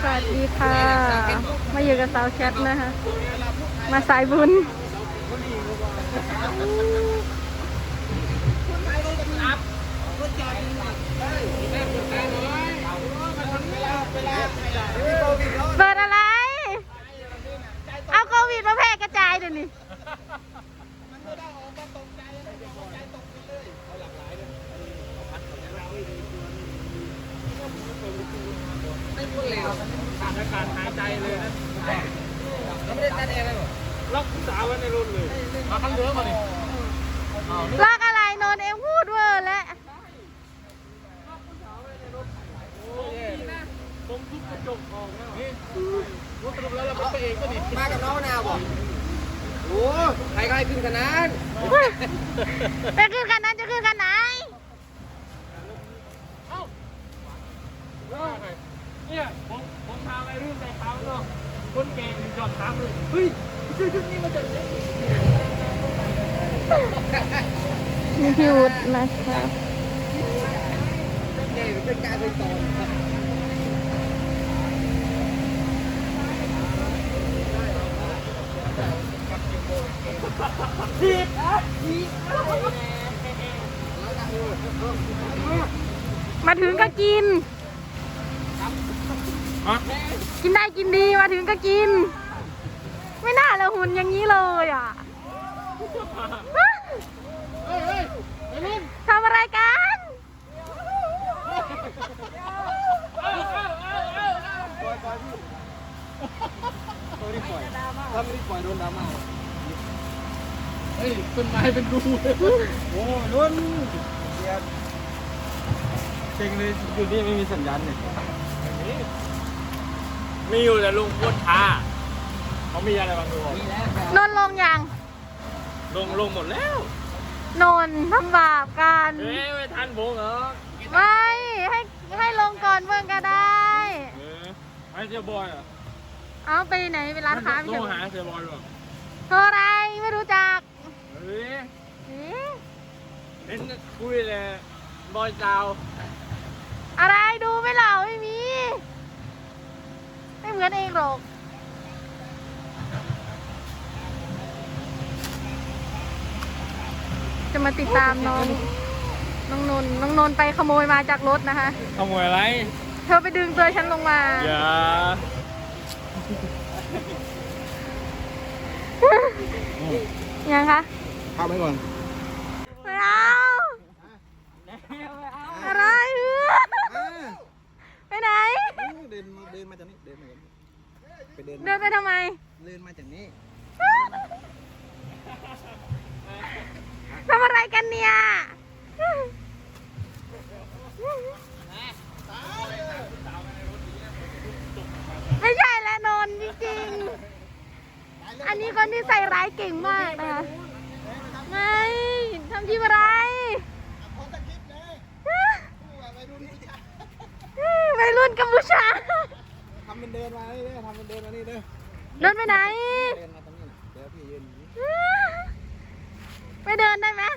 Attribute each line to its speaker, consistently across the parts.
Speaker 1: สวัสดีค่ะ มาอยู่กับสาวแคทนะคะ มาสายบุญเปิดอะไร เอาโควิดมาแพร่กระจายเดี๋ยวนี้
Speaker 2: ขาดอากาศหายใจเลยนะไม่ได้ตัดเองเลยล็อกสาวไว้ในรถเลยมาข้างเรือมาดิ
Speaker 1: ลอกอะไรโนนเองพูดเวอร์แล้ว
Speaker 2: ผมทุบกระจกออกแล้วนี่รถสรุปแล้วเราเป็นเองก็ดิ
Speaker 3: มากับน้องนาวบอกโอ้ใครขึ้นขนาด
Speaker 1: ไปขึ้นกันนั้นจะขึ้นกันไหน
Speaker 2: เนี่ยผมพาไปรุ่นในเขาเนาะคนเก่งจอดถามเลยเฮ้ยชื่อชุดนี้มาจากไหน
Speaker 1: มีพี่วุฒินะคะ
Speaker 3: เก่งเป็นการเป็นต่อ
Speaker 2: ทีบ
Speaker 1: มาถึงก็กินกินได้กินดีมาถึงก็กินไม่น่าเลยหุ่นอย่างนี้เลยอ่ะทำอะไรกัน
Speaker 3: ถ้าไม่ได้ปล่อยโดนดราม่า
Speaker 2: เฮ้ยต้นไม้เป็นรู
Speaker 3: โอ้ล้นเก่งเลยอยู่นี่ไม่มีสัญญาณเนี่ย
Speaker 2: มีอยู่แต่ลุงพูดช้าเขามีอะไรบางตัว
Speaker 1: นนลงยัง
Speaker 2: ลงหมดแล้ว
Speaker 1: นนทำบาปกัน
Speaker 2: ไม่ทันผมเหรอ
Speaker 1: ไม่ให้ลงก่อนเมื่อก็ได้
Speaker 2: ไอ้เจ้าบอยอ่ะ
Speaker 1: เอาไปไหนไปร้านค้าไป
Speaker 2: โทรหาเจ้าบอยหรอ
Speaker 1: โทรอะไรไม่รู้จัก
Speaker 2: เห็นคุยเลยบอยสาว
Speaker 1: อะไรดูไม่เหล่าไม่มีไม่เหมือนเองหรอกจะมาติดตามน้องนนไปขโมยมาจากรถนะคะ
Speaker 2: ขโมยอะไร
Speaker 1: เธอไปดึงตัวฉันลงมา
Speaker 2: อย่า
Speaker 1: ยังคะ
Speaker 3: เข้าไปก่อน
Speaker 1: ไม่เอาอะไรไปไหน
Speaker 3: เดินมาจากนี้เดิน
Speaker 1: ไปทำไม
Speaker 3: เดินมาจากนี้
Speaker 1: ทำอะไรกันเนี่ยไม่ใช่แล้วนนจริงๆอันนี้คนที่ใส่ร้ายเก่งมากนะคะไม่ทำที่อะไรวัยรุ่นกัมพูชา
Speaker 3: ทำเป็นเดินมานี่เด้อทำเป็นเดินมานี่เด้อ
Speaker 1: เดินไปไหน
Speaker 3: เดินมาตรงนี้เดี๋ยวพี่ยืน
Speaker 1: ไปเดินได้ไหม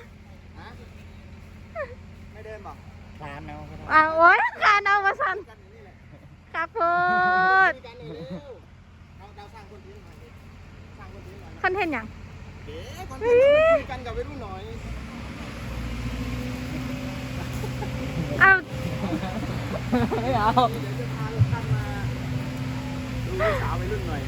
Speaker 3: ไม่เดินบอกคาน
Speaker 1: เอาโอ๊ยคานเอามาสั่นครับพูดคอนเทนต์อย่าง
Speaker 3: คอนเทนต์คุยกันกับวัยรุ่นหน่อย
Speaker 1: เอา
Speaker 3: ไม่เอาเดี๋ยวจะพาลูกท่านมาดูสาววัยรุ่นหน่อย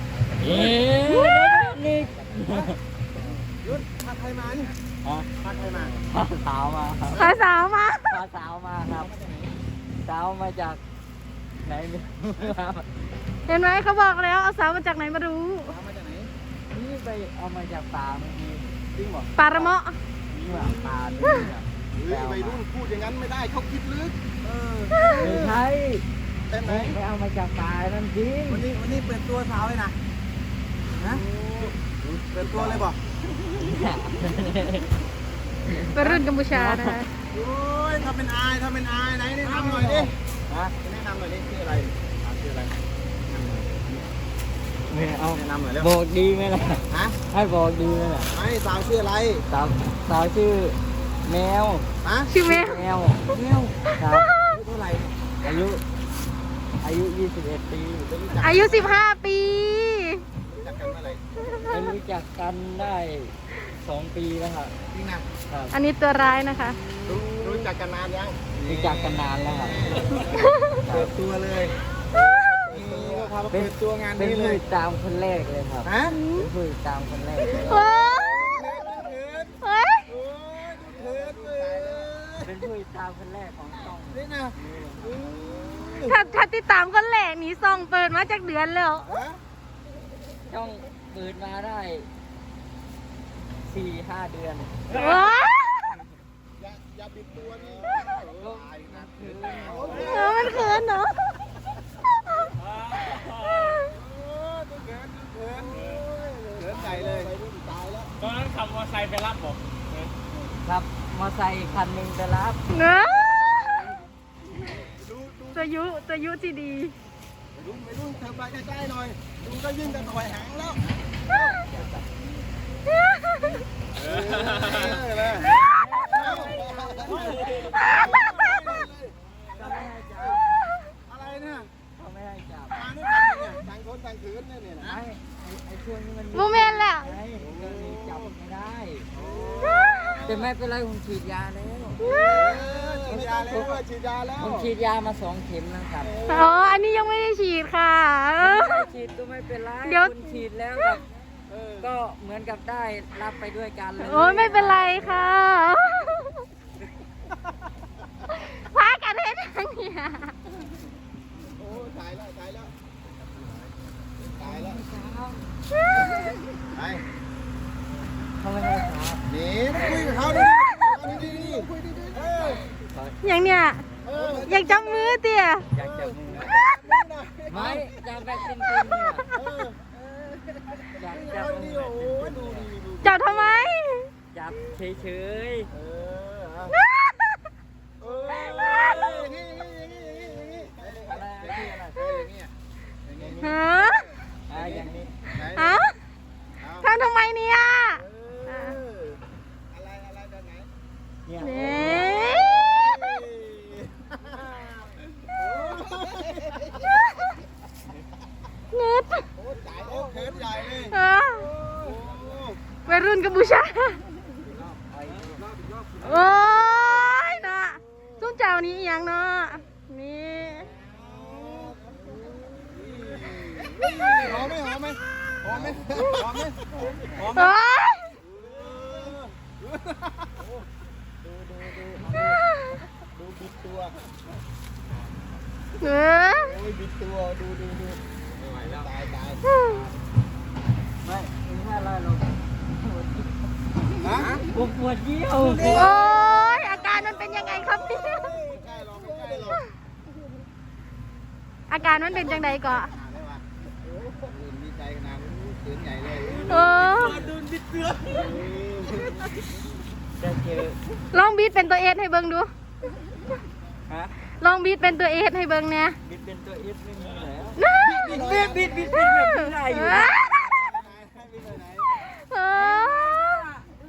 Speaker 2: นี่
Speaker 3: ยุดพาใครมานี่พาใครมา
Speaker 2: พาสาวมาครับ
Speaker 1: พาสาวมา
Speaker 2: ครับสาวมาจากไหน
Speaker 1: เห็นไหมเขาบอกแล้วเอาสาวมาจากไหนมารู้
Speaker 3: มาจากไหน
Speaker 2: นี่ไปเอามาจากป่าเมื่อกี้จริงบอก
Speaker 1: ป่าระเมาะ
Speaker 2: นี่ว่าป่า
Speaker 3: วัยรุ่นพูดอย่างนั้นไม่ได้เขาคิดลึก
Speaker 2: ไม่ใช่
Speaker 3: แต่ไหน
Speaker 2: ไม่เอามาจากป่านั่นจริง
Speaker 3: วันนี้เปิดตัวสาวเลยนะเปิดตัวเลยบอก
Speaker 1: วัยรุ่นกัมพูชานะ
Speaker 3: โอ้ยทำเป็นอายไหนแนะนำหน่อยดิแนะนำหน่อยดิชื่ออะไร
Speaker 2: ไม่เอา
Speaker 3: แนะนำหน่อยแล้ว
Speaker 2: บอกดีไหมล่ะให้บอกดีไหมล่ะ
Speaker 3: ไม่สาวชื่ออะไร
Speaker 2: สาวชื่อแมว
Speaker 1: ชื่อแมว
Speaker 2: ครับ
Speaker 3: เท่าไหร่
Speaker 2: อายุ
Speaker 3: อายุ 21 ปี
Speaker 1: อายุ 15 ปี
Speaker 4: รู้จักกันเมื่อไหร่
Speaker 3: ไม่รู้จักกันได้ 2 ปีแล้วครับ
Speaker 4: จริงนะครับ
Speaker 1: อันนี้ตัวร้ายนะคะ
Speaker 4: รู้จักกันนานยัง
Speaker 3: รู้จักกันนานแล้วครับ
Speaker 4: เปิดตัวเลยพามาเปิดตัวงาน
Speaker 3: เป็น
Speaker 4: นี้เล
Speaker 3: ผู้
Speaker 4: ย
Speaker 3: ติดตามคนแรกเลยครับ
Speaker 4: ฮะ
Speaker 3: เป็นผู้ติดตามคนแรกเลย
Speaker 1: โอ้เฮ้ย
Speaker 4: โอ้ยดูเถิดเลย
Speaker 3: เป็นผู้ติดตามคนแรกของช่อง
Speaker 4: นี่นะ
Speaker 1: ถ้าติดตามคนแรกนี่ซองเปิดมาจากเดือนแล้ว
Speaker 4: ฮะ
Speaker 3: ช่องเปิดมาได้ 4-5 เดือน
Speaker 1: ว้า
Speaker 4: อย่าบิดตัวนี่
Speaker 3: ก็
Speaker 4: ตายนะ
Speaker 3: คือ
Speaker 1: มันเขินเนาะ
Speaker 4: ดูเถิดเถิดใหญ่เลยตายแล้ว
Speaker 2: ตอนนั้นขับมอเตอร์ไซค์ไปรับผม
Speaker 3: ครับมอไซค์คันหนึ่งไปรับ
Speaker 1: เนาะ
Speaker 4: ดู
Speaker 1: ตัวยุที่ดี
Speaker 4: ไม่รู้เธอมาใกล้ๆหน่อยดูก็ยิ่งจะถอยหางแล้วเลยอะไรเนี่ย
Speaker 3: เขาไม่ให้จับ
Speaker 4: มาด้วยกันเนี่ยต่างคนต่างขืนเนี่ยนะ
Speaker 3: ไอ้ช่วงนี้มัน
Speaker 1: โมเมนต์แหละ
Speaker 3: ไงก็เลยจับไม่ได้ แต่ไม่เป็นไรผมฉีดยาแล้ว
Speaker 4: ฉีดยาแล้วฉีดยาแล้ว
Speaker 3: ผมฉีดยามา2 เข็มนะครับ
Speaker 1: อ๋อ อันนี้ยังไม่ได้ฉีดค่ะ
Speaker 3: ไม่ได้ฉีดก็ไม่เป็นไร
Speaker 1: เดี๋ยว
Speaker 3: คุณฉีดแล้วแบบก็เหมือนกับได้รับไปด้วยกันเลย
Speaker 1: โอ้ยไม่เป็นไรค่ะพากันเห็นอย่างเนี้ย
Speaker 4: โอ้ตายแล้วตายแล้วตายแล้วไป
Speaker 3: เขาไม่ให้ครับ
Speaker 4: หนีคุยกับเขาดิดีคุยดีๆ
Speaker 1: อย่างเนี้ยอยากจับมือเตี่ย
Speaker 3: อยากจับมือไม่จับแบบจริงๆเนี่ยอยากจับมือแบบจริงๆ
Speaker 1: จับทำไม
Speaker 3: จับเฉย
Speaker 4: นี่
Speaker 3: ๆอะไรที่อะไร
Speaker 1: ฮะ
Speaker 3: อย่างนี้
Speaker 1: ฮะทำทำไมเนี่ย
Speaker 4: อะไรแบบไหน
Speaker 3: เนี่ย
Speaker 1: เน่เน็ต
Speaker 4: โอ้จ่ายโอ้เขินใหญ่เลย
Speaker 1: เออวัยรุ่นกัมพูชาโอ้ยนะซุ้มเจ้านี้อหย่างเนาะนี่
Speaker 4: หอมไหมหอมไหมหอมไหมหอมไหมหอมไหม
Speaker 1: โอ้ย
Speaker 4: ดูบิดตัว
Speaker 1: เออ
Speaker 4: โอ้ยบิดตัวดูไม่ไหวแล้วตาย
Speaker 3: ไม่ไม่อะไรหรอก
Speaker 4: ฮะ
Speaker 3: ผมปวดเยี่ยว
Speaker 1: โอ้ยอาการมันเป็นยังไงครับเนี่ย
Speaker 4: ไม่ใกล้หรอกไม่ใกล้หรอก
Speaker 1: อาการมันเป็นจังใดก่อน
Speaker 4: ได้ปะโอ้ยดีใจขนาดนี้เขินใหญ่เลย
Speaker 1: โอ้
Speaker 3: จะเจอ
Speaker 1: ลองบีทเป็นตัวเอสให้เบิ่งดู
Speaker 3: ฮะ
Speaker 1: ลองบีทเป็นตัวเอสให้เบิ่งเนี่ย
Speaker 3: บิดเป็นตัวเอสไม่มีแล้ว
Speaker 1: บิด
Speaker 3: บิดแบบนี้ได้อยู่นะ
Speaker 1: เออ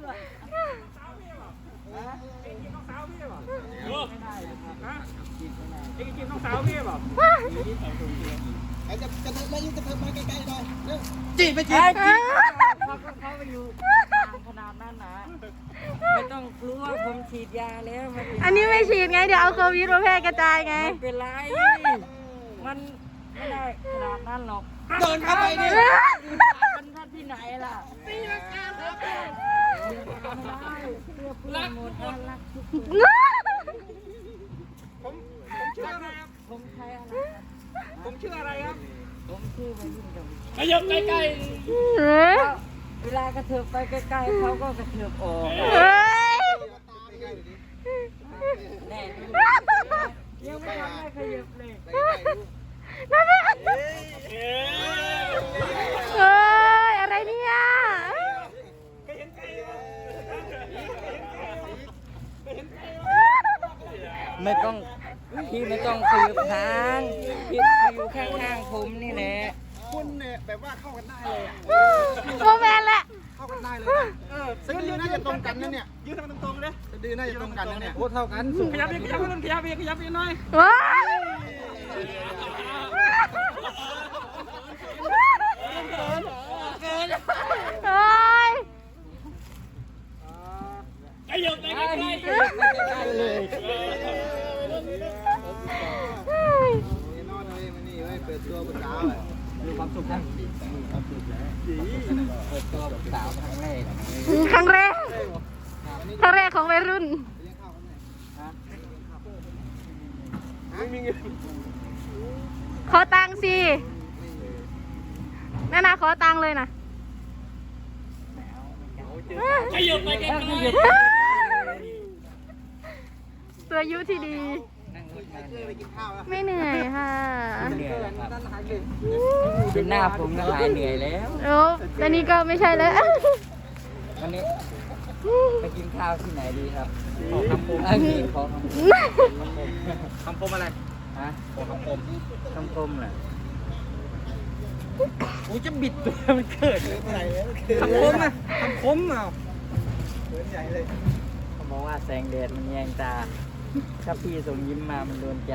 Speaker 2: ไอ้กินน้องสาวพี่เปล่า
Speaker 4: ไอ้จะเถิบมายิ่งจะเถิบมาใกล้ๆหน่อยเร็ว
Speaker 3: จีบไปจีบเขาไปอยู่ขนาดนั้นนะไม่ต้องกลัวผมฉีดยาแล้ว
Speaker 1: อันนี้ไม่ฉีดไง เดี๋ยวเอาโควิดมาแพร่กระจายไง
Speaker 3: ไม่เป็นไรมันไม่ได้ขนาดนั้นหรอก
Speaker 4: เดินเข้าไปดิ
Speaker 3: มันท่านที่ไหนล่ะตีลังกาครับรักหมดรักทุกคนผมใช้อะไรครับ
Speaker 2: ผมชื่ออะไรครับ
Speaker 3: ผมชื่อวัยรุ่นกับ
Speaker 2: ขยับใกล้
Speaker 1: เฮ้ย
Speaker 3: เวลากระเถิบไปใกล้ๆเขาก็กระเถิบออก
Speaker 1: เฮ้ย
Speaker 3: แน่ยังไม่ทันได้ขยับเลย
Speaker 1: นั่นแหละ
Speaker 2: ๆ
Speaker 1: เฮ้ย อะไรเนี่ย
Speaker 3: ไม่ต้องพี่ไม่ต้องสืบทางพี่มาอยู่ข้างๆผมนี่แหละ
Speaker 4: คุณเนี่ยแบบว่าเข้ากันได้เลยอ่ะ
Speaker 1: โมแมนแหละ
Speaker 4: เข้ากันได้เลยสะดือน่าจะตรงกันนะเนี่ย
Speaker 2: ยืนทางตรงๆเลย
Speaker 4: สะดือน่าจะตรงกันนะเนี่ยโอ้เท่ากันสูง
Speaker 2: ขยับอีกหน่อย
Speaker 1: ว้า
Speaker 4: ปิดตัวบนสาวอ่ะ
Speaker 3: มีความสุขนะเปิดตัวแบบสาวครั้งแรก
Speaker 1: ครั้งแรกของวัยรุ่น
Speaker 2: ไม่มีเงิน
Speaker 1: ขอตังค์สินั่นนะขอตังค์เลยนะ
Speaker 2: ขยับไปกันหน่อย
Speaker 1: ตัวยุที่ดี
Speaker 4: ไปกินข้าวแล้ว
Speaker 1: ไม่เหนื่อยค่ะ
Speaker 3: เหนื่อยแล้วครับเป็นหน้าผมก็หายเหนื่อยแล้ว
Speaker 1: โอ้ตอนนี้ก็ไม่ใช่แล้ว
Speaker 3: วันนี้ไปกินข้าวที่ไหนดีครับขอคำคมมีขอคำคมอะไรฮะขอคำคมเหรอกูจะบิดตัวมันเกิด
Speaker 4: ใหญ่เลย
Speaker 3: คำคมอ่ะคำคมอ่ะ
Speaker 4: เขินใหญ่เลย
Speaker 3: เขาบอกว่าแสงแดดมันแยงตา ถ้าพี่ส่งยิ้มมามันโดนใจ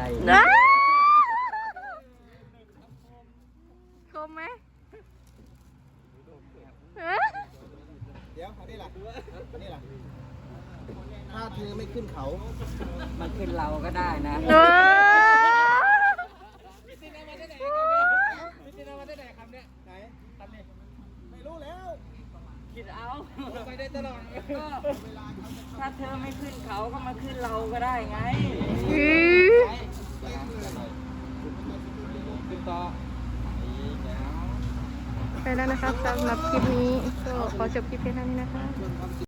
Speaker 1: คมไหม
Speaker 4: เดี๋ยวอันนี้ล่ะอันนี้ล่ะถ้าเธอไม่ขึ้นเขา
Speaker 3: มันขึ้นเราก็ได้นะ
Speaker 1: เออ
Speaker 4: ไหนไม่รู้แล้ว
Speaker 3: คิดเอา
Speaker 4: ไปได้ตลอด
Speaker 3: ก็ถ้าเธอไม่ขึ้นเขาก็มาขึ้นเราก็ได้ไง
Speaker 1: อือ
Speaker 3: ขึ้นต่อ
Speaker 1: ไปแล้วนะครับสำหรับคลิปนี้ก็ขอจบคลิปเพียงเท่านี้นะคะ